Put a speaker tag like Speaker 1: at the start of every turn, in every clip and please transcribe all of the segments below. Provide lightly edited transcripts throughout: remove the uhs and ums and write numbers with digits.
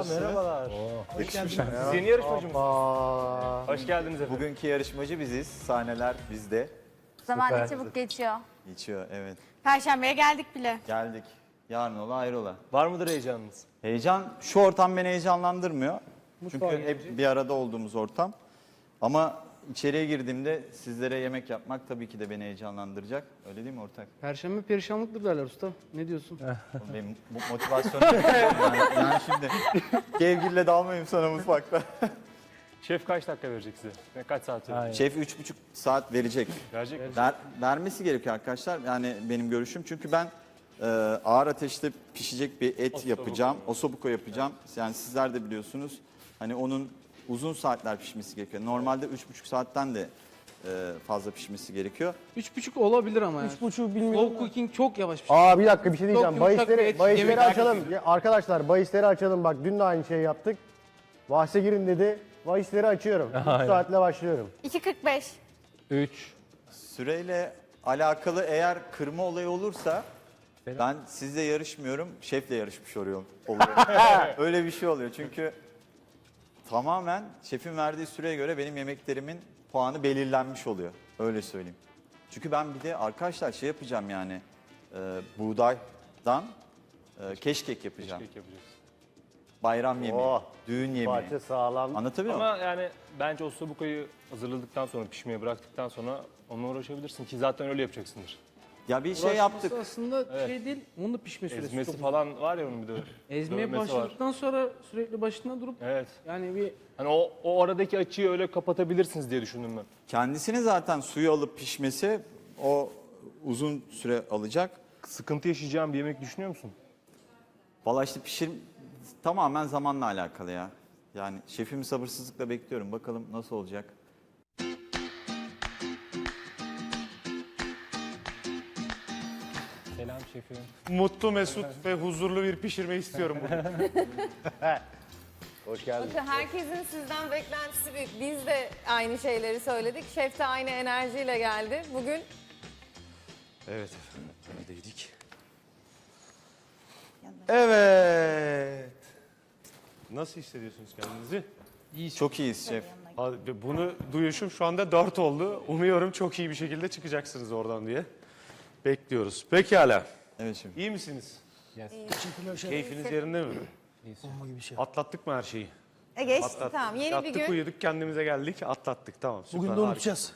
Speaker 1: Nasılsınız?
Speaker 2: Merhabalar.
Speaker 1: Yakışmış.
Speaker 2: Siz yeni yarışmacı mısınız? Hoş geldiniz efendim.
Speaker 1: Bugünkü yarışmacı biziz. Sahneler bizde.
Speaker 3: Zaman ne çabuk geçiyor.
Speaker 1: Geçiyor, evet.
Speaker 4: Perşembeye geldik bile.
Speaker 1: Geldik. Yarın ola hayrola.
Speaker 2: Var mıdır heyecanınız?
Speaker 1: Heyecan, şu ortam beni heyecanlandırmıyor. Çünkü hep bir arada olduğumuz ortam. Ama içeriye girdiğimde sizlere yemek yapmak tabii ki de beni heyecanlandıracak. Öyle değil mi ortak?
Speaker 5: Perşembe perişanlıktır derler usta. Ne diyorsun?
Speaker 1: Benim motivasyonum yani şimdi kevgirle dalmayayım sana mutfakta.
Speaker 2: Şef kaç dakika verecek size? Kaç saat verecek?
Speaker 1: Şef 3,5 saat verecek.
Speaker 2: Verecek mi?
Speaker 1: Vermesi gerekiyor arkadaşlar. Yani benim görüşüm. Çünkü ben ağır ateşte pişecek bir et yapacağım. Osobuco yapacağım. Yani sizler de biliyorsunuz. Hani onun uzun saatler pişmesi gerekiyor. Normalde 3,5 saatten de fazla pişmesi gerekiyor.
Speaker 5: 3,5 olabilir ama ya.
Speaker 6: 3,5 bilmiyorum.
Speaker 5: Slow cooking çok yavaş bir şey.
Speaker 6: Bir dakika bir şey diyeceğim.
Speaker 5: Çok yumuşak bir et,
Speaker 6: Bahisleri
Speaker 5: yemek
Speaker 6: açalım. Ya arkadaşlar bahisleri açalım. Bak dün de aynı şeyi yaptık. Bahse girin dedi. Bahisleri açıyorum. 3 saatle başlıyorum.
Speaker 4: 2.45.
Speaker 5: 3.
Speaker 1: Süreyle alakalı eğer kırma olayı olursa ben sizle yarışmıyorum, şefle yarışmış oluyorum. Öyle bir şey oluyor çünkü tamamen şefin verdiği süreye göre benim yemeklerimin puanı belirlenmiş oluyor. Öyle söyleyeyim. Çünkü ben bir de arkadaşlar şey yapacağım yani buğdaydan keşkek yapacağım.
Speaker 2: Keşkek yapacağız.
Speaker 1: Bayram yemeği,
Speaker 6: Oh,
Speaker 1: düğün yemeği.
Speaker 6: Parça sağlam.
Speaker 1: Anlatabiliyor muyum?
Speaker 2: Ama yani bence o sobukoyu hazırladıktan sonra, pişmeye bıraktıktan sonra onunla uğraşabilirsin ki zaten öyle yapacaksındır.
Speaker 1: Ya bir şey yaptık.
Speaker 5: Aslında şey değil, onun da pişme süresi
Speaker 2: Ezmesi
Speaker 5: çok.
Speaker 2: falan var ya onun bir de.
Speaker 5: Ezmeye
Speaker 2: dövmesi var.
Speaker 5: başladıktan sonra sürekli başında durup
Speaker 2: Evet.
Speaker 5: yani bir
Speaker 2: Hani o aradaki açıyı öyle kapatabilirsiniz diye düşündüm ben.
Speaker 1: Kendisini zaten suyu alıp pişmesi o uzun süre alacak.
Speaker 2: Sıkıntı yaşayacağım bir yemek düşünüyor musun?
Speaker 1: Valla işte tamamen zamanla alakalı ya. Yani şefimi sabırsızlıkla bekliyorum. Bakalım nasıl olacak.
Speaker 2: Selam şefim.
Speaker 7: Mutlu, mesut ve huzurlu bir pişirme istiyorum bugün.
Speaker 6: Hoş geldin.
Speaker 8: Bakın herkesin sizden beklentisi büyük. Biz de aynı şeyleri söyledik. Şef de aynı enerjiyle geldi. Bugün
Speaker 7: Evet efendim, neredeydik? Evet. Nasıl hissediyorsunuz kendinizi?
Speaker 1: Çok iyiyiz şef.
Speaker 7: Bunu duyuşum şu anda 4 oldu. Umuyorum çok iyi bir şekilde çıkacaksınız oradan diye bekliyoruz. Pekala.
Speaker 1: Evet şef.
Speaker 7: İyi misiniz? Keyfiniz yerinde mi? Atlattık mı her şeyi?
Speaker 8: geçti
Speaker 7: Atlattık.
Speaker 8: tamam. Yeni
Speaker 7: Yattık,
Speaker 8: bir gün.
Speaker 7: uyuduk, kendimize geldik, atlattık. Tamam, süper.
Speaker 6: Bugün de
Speaker 7: harika.
Speaker 6: unutacağız.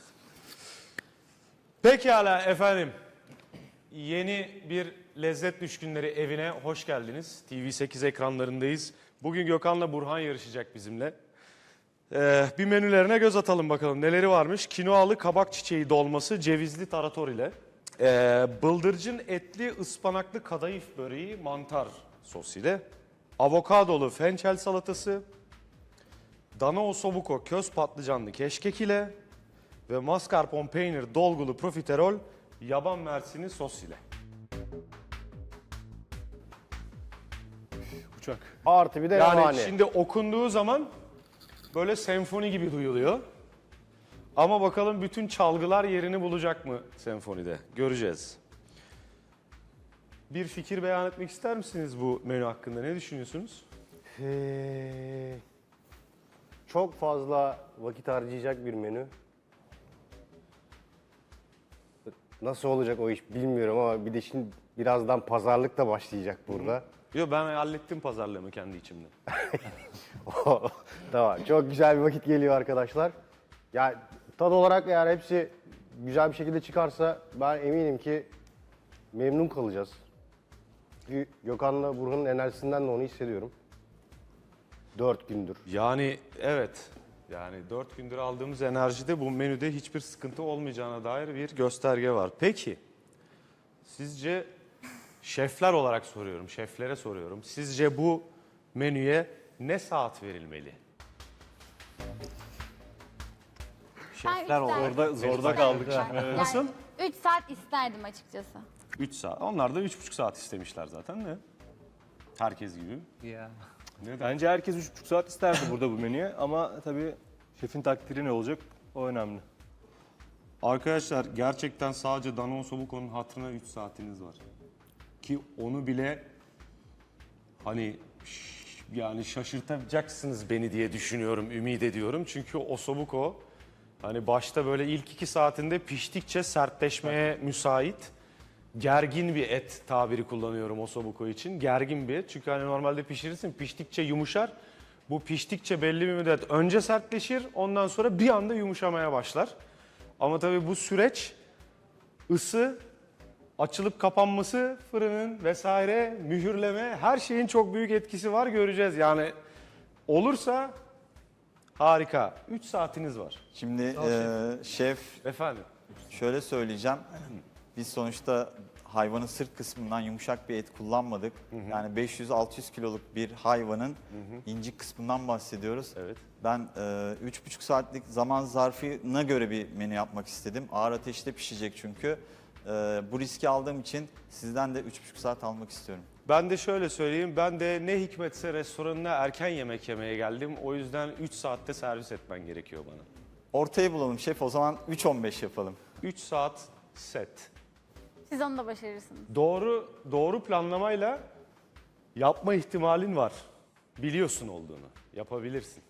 Speaker 7: Pekala efendim. Yeni bir Lezzet Düşkünleri evine hoş geldiniz. TV8 ekranlarındayız. Bugün Gökhan'la Burhan yarışacak bizimle. Bir menülerine göz atalım bakalım neleri varmış. Kinoalı kabak çiçeği dolması cevizli tarator ile. Bıldırcın etli ıspanaklı kadayıf böreği mantar sos ile. Avokadolu fençel salatası. Dana osobuco köz patlıcanlı keşkek ile. Ve mascarpone peynir dolgulu profiterol yaban mersini sos ile. Uçak.
Speaker 6: Artı bir de
Speaker 7: Yani
Speaker 6: revani.
Speaker 7: şimdi okunduğu zaman böyle senfoni gibi duyuluyor. Ama bakalım bütün çalgılar yerini bulacak mı senfonide? Göreceğiz. Bir fikir beyan etmek ister misiniz bu menü hakkında? Ne düşünüyorsunuz?
Speaker 6: Çok fazla vakit harcayacak bir menü. Nasıl olacak o iş bilmiyorum ama bir de şimdi birazdan pazarlık da başlayacak burada.
Speaker 7: Yok, ben hallettim pazarlığımı kendi içimde.
Speaker 6: Tamam, çok güzel bir vakit geliyor arkadaşlar. Ya tad olarak eğer hepsi güzel bir şekilde çıkarsa ben eminim ki memnun kalacağız. Çünkü Gökhan'la Burhan'ın enerjisinden de onu hissediyorum. 4 gündür.
Speaker 7: Yani evet. Yani 4 gündür aldığımız enerjide bu menüde hiçbir sıkıntı olmayacağına dair bir gösterge var. Peki, sizce şefler olarak soruyorum, şeflere soruyorum. Sizce bu menüye ne saat verilmeli?
Speaker 3: Şefler
Speaker 2: Orada zorda kaldık.
Speaker 7: Nasıl?
Speaker 3: 3 saat isterdim açıkçası.
Speaker 7: 3 saat. Onlar da 3,5 saat istemişler zaten de. Herkes gibi.
Speaker 2: Bence herkes 3,5 saat isterdi burada bu menüye ama tabii şefin takdiri ne olacak o önemli.
Speaker 7: Arkadaşlar gerçekten sadece Dana Osobuco'nun hatırına 3 saatiniz var. Ki onu bile hani yani şaşırtacaksınız beni diye düşünüyorum, ümit ediyorum. Çünkü ossobuco hani başta böyle ilk 2 saatinde piştikçe sertleşmeye müsait. Gergin bir et tabiri kullanıyorum ossobuco için. Gergin bir et. Çünkü hani normalde pişirirsin, piştikçe yumuşar. Bu piştikçe belli bir müddet önce sertleşir, ondan sonra bir anda yumuşamaya başlar. Ama tabii bu süreç ısı, açılıp kapanması, fırının vesaire, mühürleme, her şeyin çok büyük etkisi var, göreceğiz. Yani olursa harika. 3 saatiniz var.
Speaker 1: Şimdi şef
Speaker 7: Efendim?
Speaker 1: şöyle söyleyeceğim. Biz sonuçta hayvanın sırt kısmından yumuşak bir et kullanmadık. Yani 500-600 kiloluk bir hayvanın incik kısmından bahsediyoruz.
Speaker 7: Evet.
Speaker 1: Ben 3,5 saatlik zaman zarfına göre bir menü yapmak istedim. Ağır ateşte pişecek çünkü. Bu riski aldığım için sizden de 3,5 saat almak istiyorum.
Speaker 7: Ben de şöyle söyleyeyim, ben de ne hikmetse restoranına erken yemek yemeye geldim. O yüzden 3 saatte servis etmen gerekiyor bana.
Speaker 1: Ortayı bulalım şef, o zaman 3.15 yapalım.
Speaker 7: 3 saat set.
Speaker 3: Siz onu da başarırsınız.
Speaker 7: Doğru planlamayla yapma ihtimalin var. Biliyorsun olduğunu. Yapabilirsin.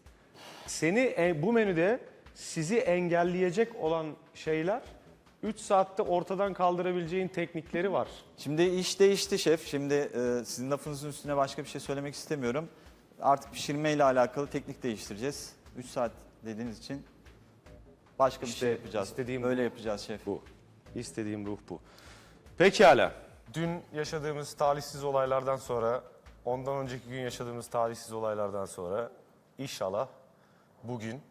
Speaker 7: Bu menüde sizi engelleyecek olan şeyler 3 saatte ortadan kaldırabileceğin teknikleri var.
Speaker 1: Şimdi iş değişti şef. Şimdi sizin lafınızın üstüne başka bir şey söylemek istemiyorum. Artık pişirmeyle alakalı teknik değiştireceğiz. 3 saat dediğiniz için başka bir
Speaker 7: İşte
Speaker 1: şey yapacağız.
Speaker 7: istediğim
Speaker 1: Öyle yapacağız şef.
Speaker 7: Bu. İstediğim ruh bu. Pekala. Dün yaşadığımız talihsiz olaylardan sonra, ondan önceki gün yaşadığımız talihsiz olaylardan sonra inşallah bugün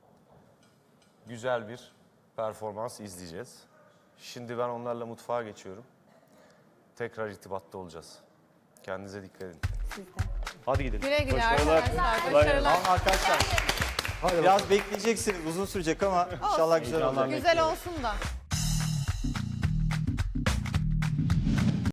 Speaker 7: güzel bir performans izleyeceğiz. Şimdi ben onlarla mutfağa geçiyorum. Tekrar irtibatta olacağız. Kendinize dikkat edin. Hadi gidelim.
Speaker 8: Güle güle
Speaker 2: Başarılar.
Speaker 8: arkadaşlar. Başarılar.
Speaker 1: Tamam arkadaşlar. Biraz bekleyeceksiniz. Uzun sürecek ama inşallah güzel olacak.
Speaker 8: Güzel olsun da.